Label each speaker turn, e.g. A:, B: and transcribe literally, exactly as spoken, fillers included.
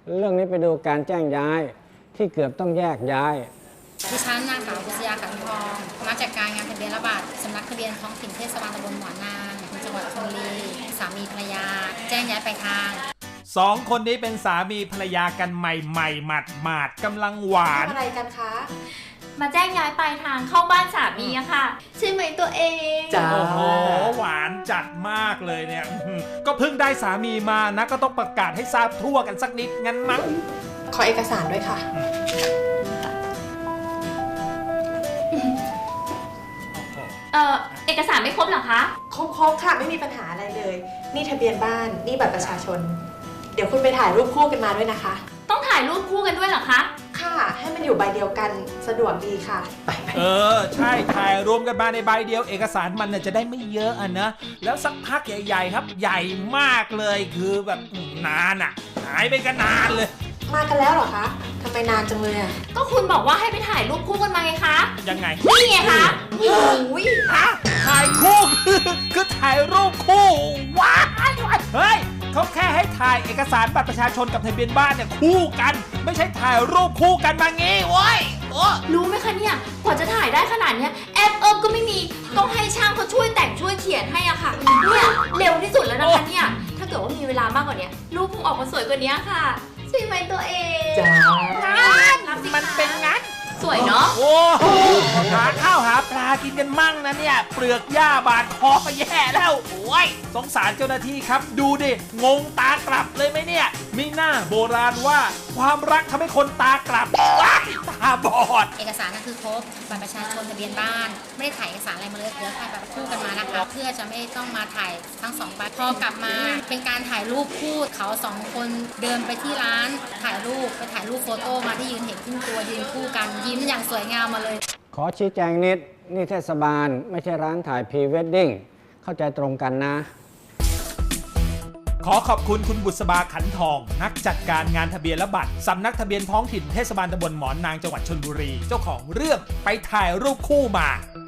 A: เรื่องนี้ไปดูการแจ้งย้ายที่เกือบต้องแยกย้าย
B: ดิฉันนางสาวบุษยาขันทองมาจัดการงานทะเบียนระบาดสำนักทะเบียนท้องถิ่นเทศบาลตำบลหมอนางจังหวัดชลบุรีสามีภรรยาแจ้งย้ายไปทาง
C: สองคนนี้เป็นสามีภรรยากันใหม่ๆหมาดๆกำลังหวาน
D: อะไรกันคะ
E: มาแจ้งย้ายปลายทางเข้าบ้านสามีอะค่ะใช่ไหมตัวเอง
C: จ้าโอ้โหหวานจัดมากเลยเนี่ยก็เพิ่งได้สามีมานะก็ต้องประกาศให้ทราบทั่วกันสักนิดงั้นมั้ง
D: ขอเอกสารด้วยค่ะ
E: เอ่อเอกสารไม่ครบเหรอคะ
D: ครบๆค่ะไม่มีปัญหาอะไรเลยนี่ทะเบียนบ้านนี่บัตรประชาชนเดี๋ยวคุณไปถ่ายรูปคู่กันมาด้วยนะคะ
E: ต้องถ่ายรูปคู่กันด้วยเหรอคะ
D: ค่ะให้มันอยู่ใบเดียวกันสะดวกดีค่ะ
C: เออใช่ถ่ายรวมกันมาในใบเดียวเอกสารมันจะได้ไม่เยอะอ่ะนะแล้วสักพักใหญ่ๆครับใหญ่มากเลยคือแบบนานอ่ะหายไปกันนานเลย
D: มากันแล้วเหรอคะทำไมนานจังเลยอ่ะ
E: ก็คุณบอกว่าให้ไปถ่ายรูปคู่กันมาไงคะ
C: ยังไง
E: นี่ไงคะ
D: โอ้ย
C: ฮะถ่ายคู่คือคือถ่ายรูปคู่ว้ายเฮ้ยเขาแค่ให้ถ่ายเอกสารบัตรประชาชนกับทะเบียนบ้านเนี่ยคู่กันไม่ใช่ถ่ายรูปคู่กันมางี้โว้ยโอ้
E: รู้ไหมคะเนี่ยกว่าจะถ่ายได้ขนาดเนี้ยแอปเอิบก็ไม่มีต้องให้ช่างเขาช่วยแต่งช่วยเขียนให้อะค่ะเนี่ยเร็วที่สุดแล้วนะคะเนี่ยถ้าเกิดว่ามีเวลามากกว่านี้รูปคงออกมาสวยกว่านี้ค่ะใช่ไหมตัวเอง
D: จ้า
C: มันเป็นงั้น
E: สวยเนาะ
C: โอ้หาข้าวหาปลากินกันมั่งนะเนี่ยเปลือกหญ้าบาดคอก็แย่แล้วโอ้ยสงสารเจ้าหน้าที่ครับดูดิงงตากลับเลยไหมเนี่ยมีหน้าโบราณว่าความรักทำให้คนตากลับว้ายตาบอด
B: เอกสารนั่นคือครบบัตรประชาชนทะเบียนบ้านไม่ได้ถ่ายเอกสารอะไรมาเลยเดี๋ยวถ่ายแบบคู่กันมานะคะเพื่อจะไม่ต้องมาถ่ายทั้งสองใบพอกลับมาเป็นการถ่ายรูปคู่เขาสองคนเดินไปที่ร้านถ่ายรูปไปถ่ายรูปโฟโต้มาที่ยืนเห็นขึ้นตัวยืนคู่กันยิ้มอย่างสวยงามมาเลย
A: ขอชี้แจงนิดนี่เทศบาลไม่ใช่ร้านถ่ายพรีเวดดิ้งเข้าใจตรงกันนะ
C: ขอขอบคุณคุณบุษบาขันทองนักจัดการงานทะเบียนและบัตรสำนักทะเบียนท้องถิ่นเทศบาลตำบลหมอนนางจังหวัดชลบุรีเจ้าของเรื่องไปถ่ายรูปคู่มา